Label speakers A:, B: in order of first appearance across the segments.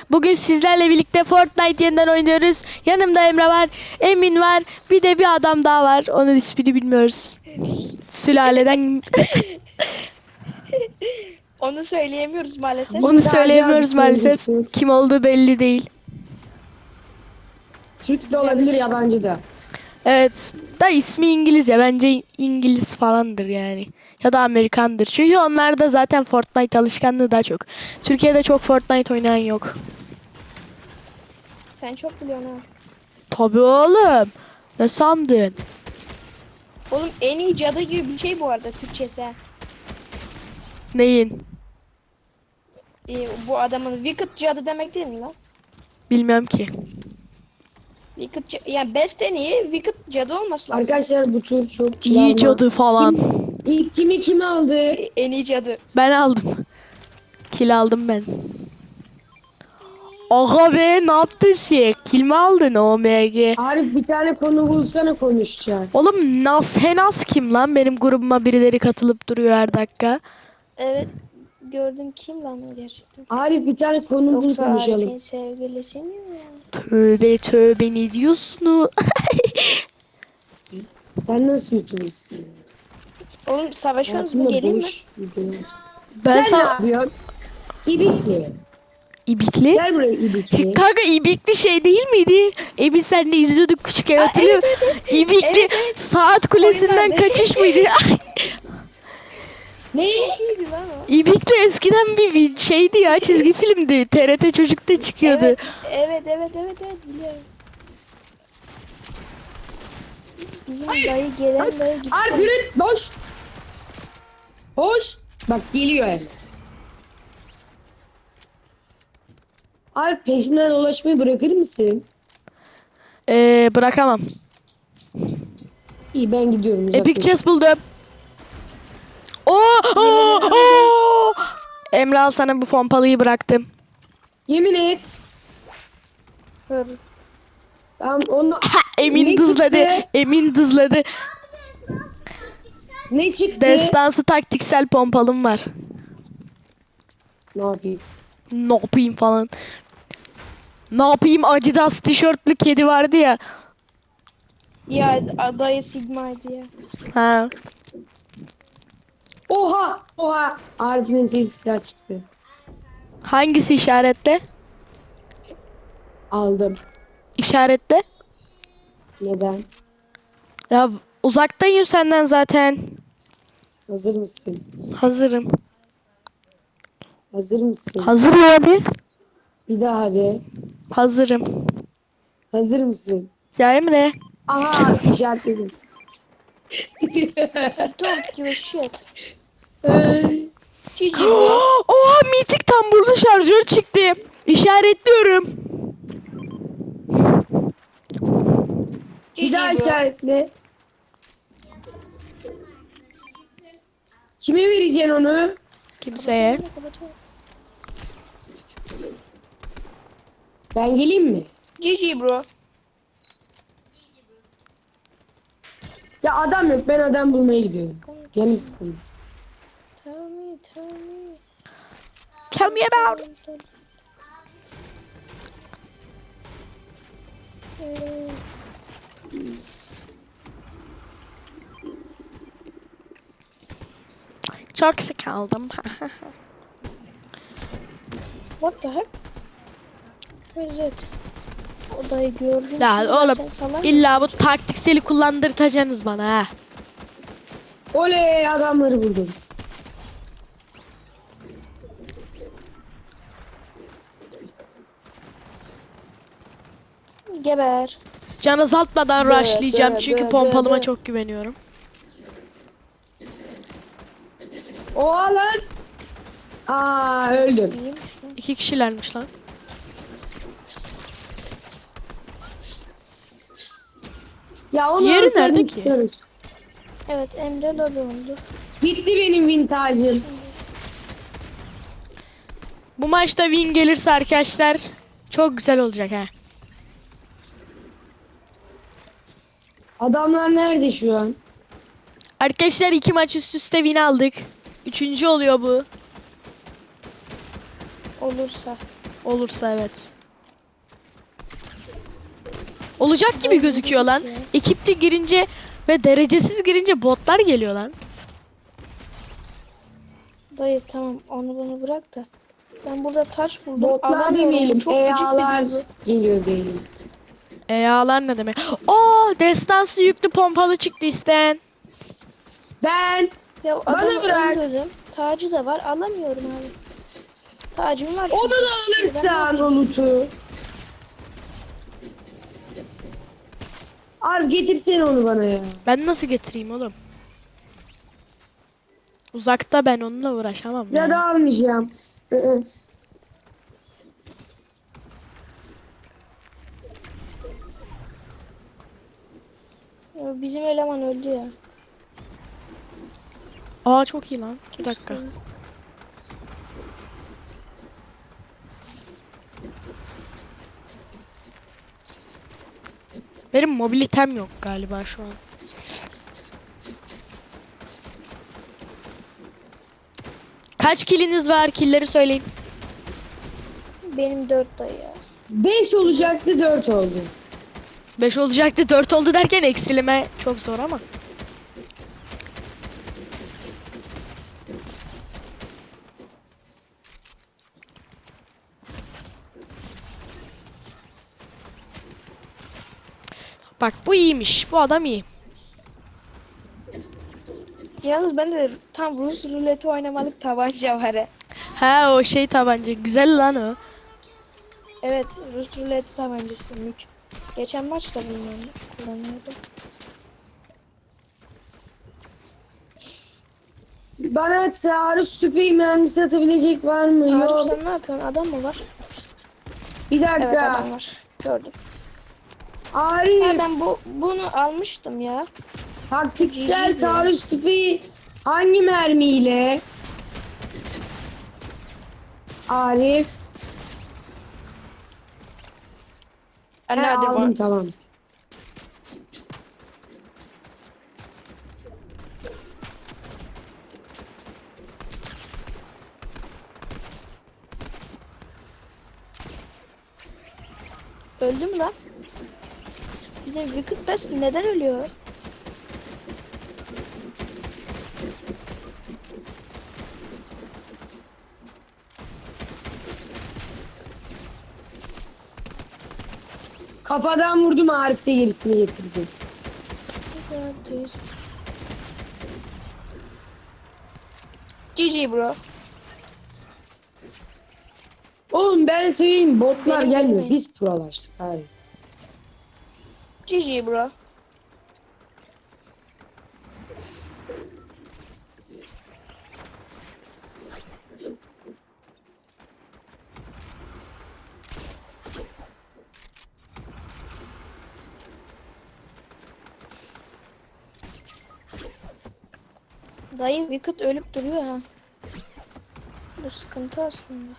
A: Bugün sizlerle birlikte Fortnite yeniden oynuyoruz. Yanımda Emre var, Emin var, bir de bir adam daha var. Onun ismini bilmiyoruz. Sülaleden
B: Onu söyleyemiyoruz maalesef.
A: onu söyleyemiyoruz maalesef. Kim olduğu belli değil.
C: Türk de
B: Güzel
C: olabilir,
B: bir-
C: yabancı da.
A: Evet, da ismi İngilizce. Bence İngiliz falandır yani. Ya da Amerikandır. Çünkü onlarda zaten Fortnite alışkanlığı daha çok. Türkiye'de çok Fortnite oynayan yok.
B: Sen çok biliyorsun ha.
A: Tabii oğlum. Ne sandın?
B: Oğlum en iyi cadı gibi bir şey bu arada Türkçesi. Ha.
A: Neyin?
B: Bu adamın Wicked cadı demek değil mi lan?
A: Bilmem ki.
B: Yani best en iyi Wicked cadı olması lazım.
C: Arkadaşlar bu tur çok
A: İyi
C: kiralama.
A: cadı falan.
C: İlk kimi aldı?
B: En iyi cadı.
A: Ben aldım. Kill aldım ben. Aga be, ne yaptın sen? Kill mi aldın OMG?
C: Arif bir tane konu bulsana konuşacağım.
A: Oğlum Henas kim lan? Benim grubuma birileri katılıp duruyor her dakika.
B: Evet. Gördün kim lan o gerçekten?
C: Arif bir tane konu bul
B: Yoksa
C: konuşalım.
B: Arif'in sevgilisi mi ya?
A: Tövbe tövbe, ne diyorsun?
C: Sen nasıl YouTuber'sın?
B: Oğlum savaşıyorsunuz mu,
C: Hayatımda
B: geleyim mi?
C: boş videolar.
A: Ben
C: Sen ne yapıyorsun? İbikli.
A: İbikli?
C: Gel buraya İbikli.
A: Kanka İbikli şey değil miydi? Emin senle izliyorduk küçükken, hatırlıyor musun?
B: evet.
A: İbikli
B: Evet, evet.
A: saat kulesinden
B: Oyunlarda.
A: kaçış mıydı?
C: Ne?
B: Çok iyiydi lan o.
A: İbikli eskiden bir şeydi ya, çizgi filmdi. TRT Çocuk'ta çıkıyordu.
B: Evet biliyorum. Bizim dayı gelen dayı gitti.
C: Arif yürü boş. Hoş. Bak geliyor yani. Arif peşimden dolaşmayı bırakır mısın?
A: Bırakamam.
C: İyi ben gidiyorum.
A: Epic
C: uzaklaş.
A: Chess buldum. Oo! Emre, al sana bu pompalıyı bıraktım.
C: Yemin et.
B: Hır.
C: Ben onu...
A: Emin
C: Ne
A: dızladı.
C: çıktı?
A: Emin dızladı.
C: Ne çıktı?
A: Destansı taktiksel pompalım var.
C: Ne yapayım?
A: Ne yapayım falan. Ne yapayım, Adidas tişörtlü kedi vardı ya.
B: Ya dayı Sigma'ydı ya.
A: Ha.
C: Oha! Oha! Arif'in sevdiği silah çıktı.
A: Hangisi işaretle?
C: Aldım.
A: İşaretle.
C: Neden?
A: Ya uzaktayım senden zaten.
C: Hazır mısın?
A: Hazırım.
C: Hazır mısın?
A: Hazırım abi.
C: Bir daha hadi.
A: Hazırım.
C: Hazır mısın?
A: Ya Emre.
C: Aha işaretledim.
B: Don't give a shit.
C: Ay.
B: GG bro.
A: Oha, mitik tamburlu şarjör çıktı. İşaretliyorum.
C: Bir daha
B: GG bro.
C: işaretle. Kime vereceksin onu?
A: Kimseye.
B: Kapatıyorum.
C: Ben geleyim mi?
B: GG bro.
C: Ya adam yok, ben adam bulmaya gidiyorum. Canım sıkıldı.
B: Tell me.
A: Tell me about it. Çok sıkıldım.
B: What the heck? Where is it? O dayı gördüm.
A: Ya
B: şimdi,
A: oğlum,
B: sen salak
A: illa bu
B: mısın?
A: taktikseli kullandırtacaksınız bana ha.
C: Oley, adamları buldum.
B: Geber.
A: Can azaltmadan
B: Be,
A: rushlayacağım
B: be,
A: çünkü
B: be,
A: pompalıma
B: be.
A: çok güveniyorum.
C: Oha lan. Aa öldüm.
B: İyiymiş lan.
A: 2 kişilermiş lan.
C: Ya onu
A: Yeri
C: alsaydım
A: nerede ki?
C: tutuyoruz.
B: Evet Emre lobi oldu.
C: Bitti benim vintajım.
A: Bu maçta win gelirse arkadaşlar çok güzel olacak ha.
C: Adamlar nerede şu an?
A: Arkadaşlar 2 maç üst üste win aldık. 3. oluyor bu.
B: Olursa.
A: Olursa evet. Olacak gibi gözüküyor lan. Ekipli girince ve derecesiz girince botlar geliyor lan.
B: Dayı tamam onu bunu bırak da. Ben burada taş buldum.
C: Botlar
B: Alamıyorum. Bu
C: demeyelim.
B: çok gıcık
C: EA'lar
B: bir duygu.
C: geliyor diyelim.
A: Eyalar ne demek? Oo, destansı yüklü pompalı çıktı isteyen.
C: Ben
B: Ya
C: Bana
B: adamı
C: bırak.
B: öldürdüm. Tacı da var. Alamıyorum abi. Tacım var
C: onu
B: çünkü.
C: da
B: Şimdi ben ne
C: alırsan
B: yapayım?
C: o loot'u. Abi getirsene onu bana ya.
A: Ben nasıl getireyim oğlum? Uzakta ben onunla uğraşamam
C: Ya
A: yani.
C: da almayacağım. Hı.
B: Ya bizim eleman öldü ya.
A: Aa çok iyi lan. Bir
B: Kim
A: dakika.
B: sıkıyor?
A: Benim mobilitem yok galiba şu an. Kaç kiliniz var? Killeri söyleyin.
B: Benim 4 dayı ya.
C: 5 olacaktı 4 oldu.
A: 5 olacaktı 4 oldu derken eksilime çok zor ama. Bak bu iyiymiş. Bu adam iyi.
B: Yalnız ben de tam Rus ruleti oynamalık tabanca var ha.
A: Ha o şey tabanca. Güzel lan o.
B: Evet Rus ruleti tabancası mük. Geçen maçta bunu kullanıyordum.
C: Bana taarruz tüfeği mermisi atabilecek var mı?
B: Arif
C: Yok.
B: sen ne yapıyorsun? Adam mı var?
C: Bir
B: Evet
C: dakika.
B: adam var. Gördüm.
C: Arif.
B: Ya ben bunu almıştım ya.
C: Taksiksel
B: Cici
C: taarruz tüfeği hangi mermiyle? Arif.
B: Anne
C: He,
B: hadi
C: aldım
B: bu.
C: tamam.
B: Öldü mü lan? Bizim Wicked Best neden ölüyor?
C: Kafadan vurdum Arif de gerisini getirdi.
B: GG bro.
C: Oğlum ben söyleyeyim botlar
B: Benim
C: gelmiyor.
B: gelmeyin.
C: Biz prolaştık Arif.
B: GG bro. Dayı Wicked ölüp duruyor ha. Bu sıkıntı aslında.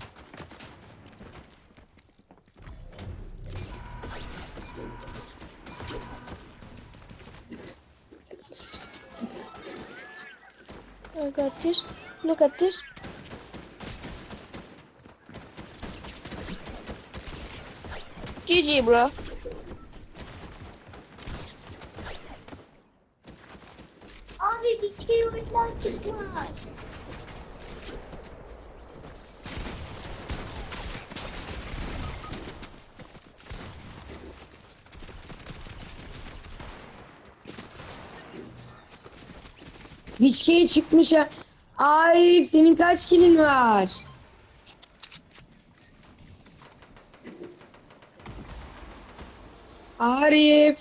B: Look at this. Look at this. GG bro.
D: Abi bir şey oyundan çıkmış.
C: Viçkeye çıkmış ha. Arif senin kaç kilin var? Arif.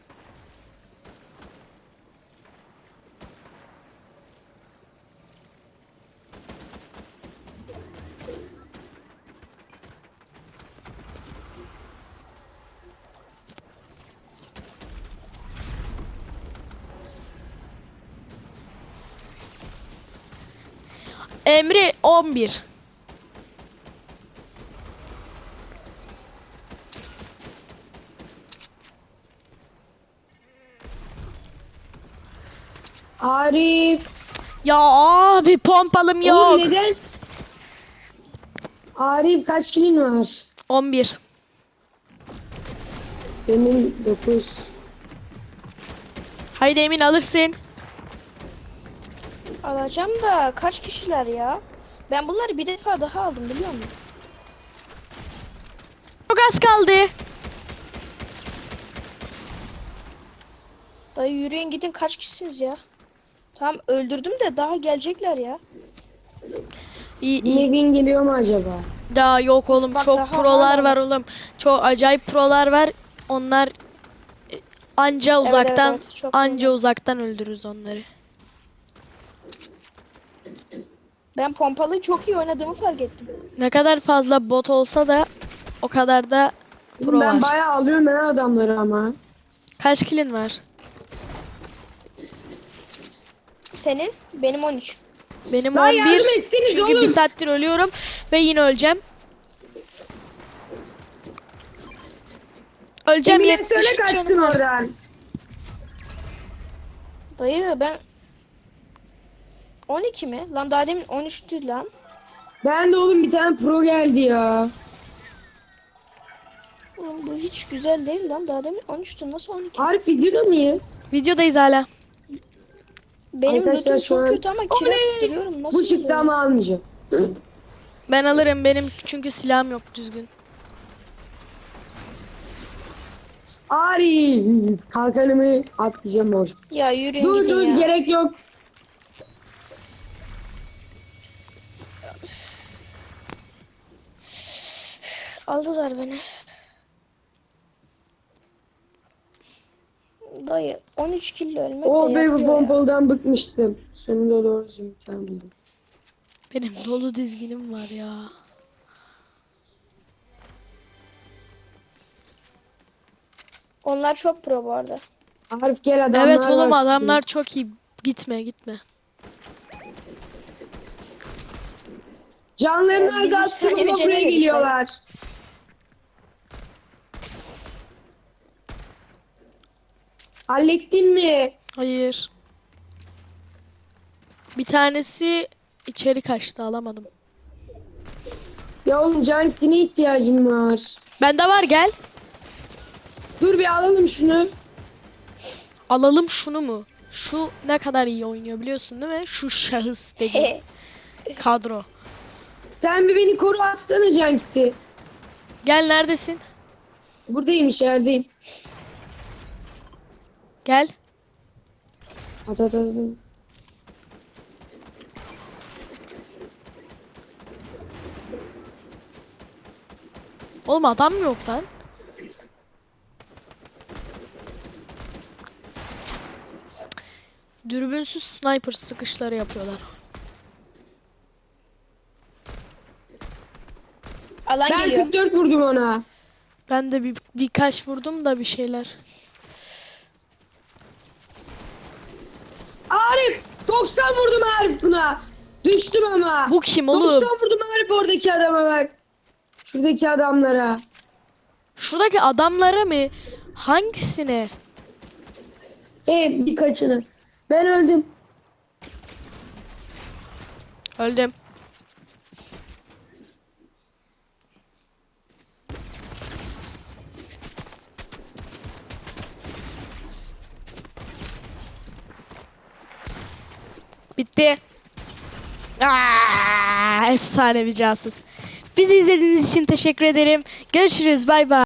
A: Emre 11.
C: Arif.
A: Ya abi pompalım yok.
C: Oğlum neden? Arif kaç kilin var?
A: 11.
C: Benim 9.
A: Haydi Emin alırsın.
B: Alacağım da kaç kişiler ya? Ben bunları bir defa daha aldım biliyor musun?
A: Çok az kaldı.
B: Dayı yürüyün gidin kaç kişisiniz ya? Tamam öldürdüm de daha gelecekler ya.
A: İyi
C: Yine
A: iyi.
C: win geliyor mu acaba?
A: Daha yok oğlum.
B: Bak
A: Çok
B: daha
A: prolar
B: hala
A: var oğlum. Çok acayip prolar var. Onlar anca
B: Evet,
A: uzaktan
B: evet, çok
A: anca
B: doğru.
A: uzaktan öldürürüz onları.
B: Ben pompalıyı çok iyi oynadığımı fark ettim.
A: Ne kadar fazla bot olsa da o kadar da pro
C: Ben
A: var.
C: bayağı alıyorum ben adamları ama.
A: Kaç kilin var?
B: Senin? Benim 13.
A: Benim
C: Lan
A: 11.
C: yardım etseniz
A: Çünkü
C: oğlum.
A: bir saattir ölüyorum ve yine öleceğim. Öleceğim,
C: Emine
A: 73
C: söyle kaçsın
A: canım var.
C: oradan.
B: Dayı ben 12 mi? Lan daha demin 13'tü lan.
C: Ben de oğlum bir tane pro geldi ya.
B: Oğlum bu hiç güzel değil lan. Daha demin 13'tü. Nasıl 12?
C: Arif videoda mıyız?
A: Videodayız hala.
B: Benim
C: Arkadaşlar
B: lootum
C: şu
B: çok
C: an-
B: kötü ama kill atıp
C: Oley!
B: duruyorum. Nasıl
C: Bu çıktı
B: oluyor?
C: ama almayacağım.
A: Ben alırım, benim çünkü silahım yok düzgün.
C: Arif kalkanımı atlayacağım boş.
B: Ya yürüyün
C: Dur
B: gidin
C: dur
B: ya.
C: gerek yok.
B: Aldılar beni. Dayı 13 kill ölmek
C: O
B: de
C: be bu
B: yapıyor ya.
C: pompalıdan bıkmıştım. Sonunda doğru düzgün bir tane buldum.
A: Benim dolu dizginim var ya.
B: Onlar çok pro bu arada.
C: Arif gel adamlar
A: Evet oğlum,
C: var
A: adamlar çok iyi. Gitme gitme.
C: Canlarını
B: Ya, biz üç
C: azalttım
B: saniye
C: ama
B: önce
C: buraya
B: nereye
C: geliyorlar. Hallettin mi?
A: Hayır. Bir tanesi içeri kaçtı, alamadım.
C: Ya oğlum Canksi'ne ihtiyacım var.
A: Bende var, gel.
C: Dur bir alalım şunu.
A: Alalım şunu mu? Şu ne kadar iyi oynuyor biliyorsun değil mi? Şu şahıs dediğim kadro.
C: Sen bir beni koru atsana Canksi.
A: Gel, neredesin?
C: Buradayım içerideyim.
A: Gel.
C: At at at. at.
A: Oğlum adam mı yok lan? Dürbünsüz sniper sıkışları yapıyorlar.
B: Alan
C: Ben
B: geliyor.
C: 44 vurdum ona.
A: Ben de birkaç vurdum da bir şeyler.
C: Arif 90 vurdum Arif buna. Düştüm ama.
A: Bu kim oğlum?
C: 90 vurdum Arif oradaki adama bak. Şuradaki adamlara.
A: Şuradaki adamlara mı? Hangisine?
C: Evet birkaçını. Ben öldüm.
A: Öldüm. Bitti. Efsane bir casus. Bizi izlediğiniz için teşekkür ederim. Görüşürüz. Bay bay.